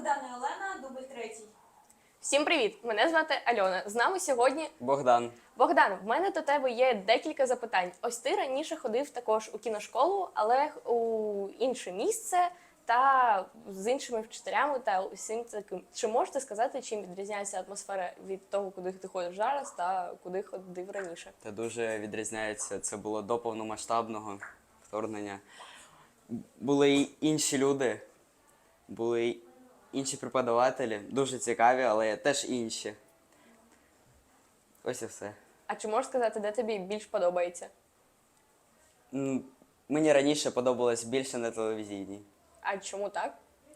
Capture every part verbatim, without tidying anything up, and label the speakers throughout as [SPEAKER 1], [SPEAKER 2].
[SPEAKER 1] Богдан і Олена, дубль третій.
[SPEAKER 2] Всім привіт! Мене звати Альона. З нами сьогодні
[SPEAKER 3] Богдан.
[SPEAKER 2] Богдан. В мене до тебе є декілька запитань. Ось ти раніше ходив також у кіношколу, але у інше місце та з іншими вчителями та усім таким. Чи можете сказати, чим відрізняється атмосфера від того, куди ти ходиш зараз та куди ходив раніше?
[SPEAKER 3] Та дуже відрізняється. Це було до повномасштабного вторгнення. Були й інші люди, були й інші преподавателі, дуже цікаві, але теж інші. Ось і все.
[SPEAKER 2] А чи можеш сказати, де тобі більш подобається?
[SPEAKER 3] М, Мені раніше подобалось більше на телевізійній.
[SPEAKER 2] А чому так?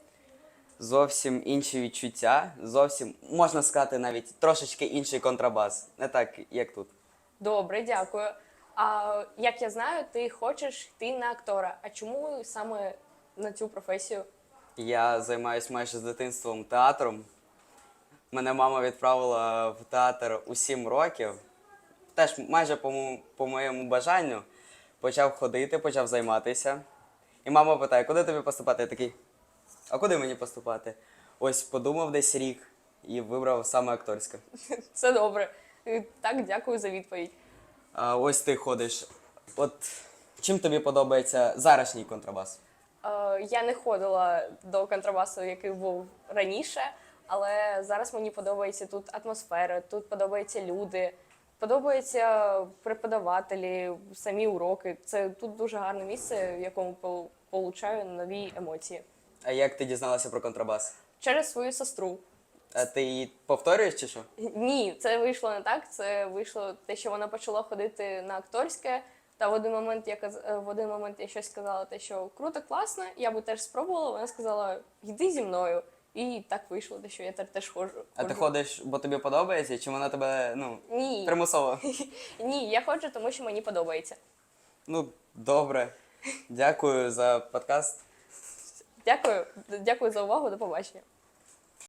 [SPEAKER 3] Зовсім інші відчуття, зовсім, можна сказати, навіть трошечки інший контрабас. Не так, як тут.
[SPEAKER 2] Добре, дякую. А як я знаю, ти хочеш йти на актора. А чому саме на цю професію?
[SPEAKER 3] Я займаюся майже з дитинством театром. Мене мама відправила в театр у сім років. Теж майже по, мо- по моєму бажанню почав ходити, почав займатися. І мама питає, куди тобі поступати? Я такий, а куди мені поступати? Ось подумав десь рік і вибрав саме акторське.
[SPEAKER 2] Це добре. Е, Так, дякую за відповідь.
[SPEAKER 3] А ось ти ходиш. От чим тобі подобається зарашній контрабас?
[SPEAKER 2] Е, Я не ходила до контрабасу, який був раніше, але зараз мені подобається тут атмосфера, тут подобаються люди, подобаються преподавателі, самі уроки. Це тут дуже гарне місце, в якому пол- получаю нові емоції.
[SPEAKER 3] А як ти дізналася про контрабас?
[SPEAKER 2] Через свою сестру.
[SPEAKER 3] А ти її повторюєш чи що?
[SPEAKER 2] Ні, це вийшло не так. Це вийшло те, що вона почала ходити на акторське. Та в один момент я каз- е, в один момент я щось сказала, те, що круто, класно, я би теж спробувала. Вона сказала, йди зі мною. І так вийшло, те, що я тепер теж ходжу.
[SPEAKER 3] А ти
[SPEAKER 2] ходжу.
[SPEAKER 3] ходиш, бо тобі подобається, чи вона тебе, ну,
[SPEAKER 2] Ні.
[SPEAKER 3] примусово?
[SPEAKER 2] Ні, я ходжу, тому що мені подобається.
[SPEAKER 3] Ну, добре. Дякую за подкаст.
[SPEAKER 2] Дякую, дякую за увагу, до побачення.